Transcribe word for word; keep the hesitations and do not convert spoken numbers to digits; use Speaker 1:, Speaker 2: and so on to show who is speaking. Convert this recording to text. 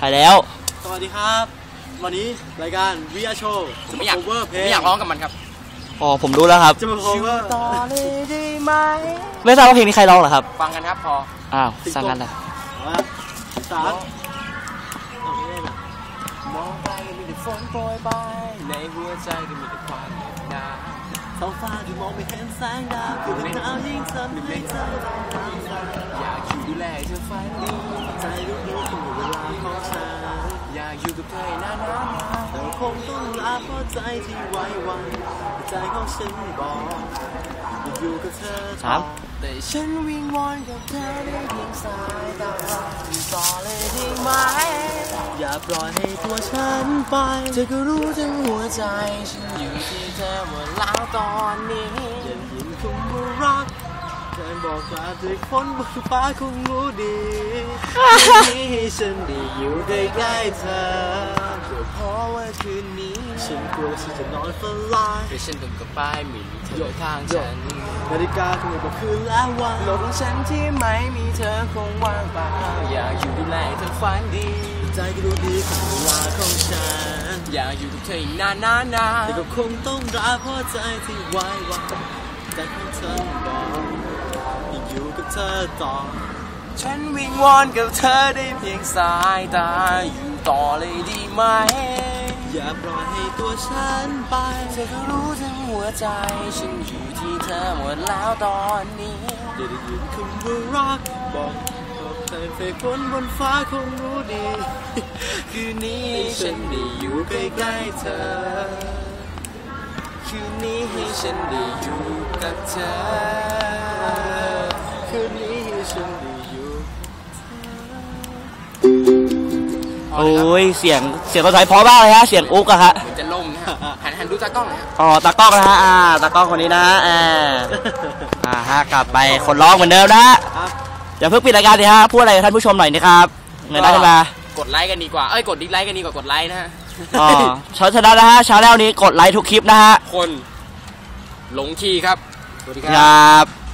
Speaker 1: ถ่ายแล้ว
Speaker 2: สวัสดีครับวันนี้รายการวิอาโชว์
Speaker 3: ผมไม่อยากไม่อยากร้องกับมันครับ
Speaker 1: อ๋อผมรู้แล้วครับ
Speaker 2: จะมา cover
Speaker 3: ต่อเลยได้ไหม
Speaker 1: ไม่ทราบว่าเพลงนี้ใครร้องเหรอครับ
Speaker 3: ฟังกันครับพอ
Speaker 1: อ้าวสั่งกันเลย
Speaker 2: สาม
Speaker 3: มองไปมีแต่ฝนโปรยไปในหัวใจก็มีแต่ความเหน็บหนาว
Speaker 2: ท้องฟ้าที่มองไม่เห็นแสงดาวคือเป็นดาวยิ่งทำให้เธอ
Speaker 3: อยากอยู่ดูแลเธอฝันดี
Speaker 2: ใจรู้รู้ถึงเวลาของฉัน
Speaker 3: อยากอยู่กับเธอนานๆ
Speaker 2: แต่คงต้องลาเพราะใจที่ไว้วันใจของฉันบอกอยู่กับเธอ
Speaker 1: ครับ
Speaker 3: แต่ฉันวิงวอนกับเธอได้เพียงสายตาอยู่ต่อเลยได้ไหม
Speaker 2: อย่าปล่อยให้ตัวฉันไป
Speaker 3: เธอก็รู้ทั้งหัวใจฉันอยู่ที่เธอหมดแล้วตอนนี้
Speaker 2: ยังยินคงรักแค่บอกลาด้วยฝนบนฟ้าคงรู้ดีที่ให้ฉันได้อยู่ใกล้ๆเธอ
Speaker 3: ก็เพราะว่าคืนนี้
Speaker 2: ฉันกลัวฉันจะนอนฝันลาย
Speaker 3: แต่ฉันต้องกลับไปมีเธอข้างฉัน
Speaker 2: นาฬิกาคงบอกคืนแล้ววัน
Speaker 3: โลกของฉันที่ไม่มีเธอคงว่างเปล่าอยากอยู่ดูแลเธอฝันดี
Speaker 2: ใจก็รู้ดีถึงเวลาของฉัน
Speaker 3: อยากอยู่กับเธออีกนานนานนา
Speaker 2: แต่ก็คงต้องรักเพราะใจที่ไว้วางใจของฉันบอกที่อยู่กับเธอต่อ
Speaker 3: ฉันวิงวอนกับเธอได้เพียงสายตาอยู่ต่อเลยดีไหม
Speaker 2: อย่าปล่อยให้ตัวฉันไป
Speaker 3: เธอก็รู้ทั้งหัวใจฉันอยู่ที่เธอหมดแล้วตอนนี้
Speaker 2: อย่าได้ยินคำว่ารักบอกบอกใจเฟกฝนบนฟ้าคงรู้ดี
Speaker 3: คืนนี้ฉันได้อยู่ใกล้ๆเธอคืนนี้ให้ฉันได้อยู่กับเธอ
Speaker 2: คืนนี้ให้ฉันได้อยู่
Speaker 1: โอ้ยเสียงเสียงกระถอยพอมากเลยฮะเสียงอุ๊กอะฮะ
Speaker 3: เหมือนจะล่มนะฮะหันหันดูตากล้องนะ
Speaker 1: อ๋อตากล้องนะฮะอ่าตากล้องคนนี้นะฮะอ่าอ่าฮะกลับไปคนร้องเหมือนเดิมนะฮะอย่าเพิ่งปิดรายการดิฮะพูดอะไรกับท่านผู้ชมหน่อยนะครับเงินได้ขึ้นม
Speaker 3: ากดไลค์กันดีกว่าเอ้ยกดดิสไลค์กันดีกว่ากดไลค์นะฮะ
Speaker 1: อ๋อชาแนลนะฮะชาแนลนี้กดไลค์ทุกคลิปนะฮะ
Speaker 3: คนหลงคีย์ครับ
Speaker 1: สวัสดีครับ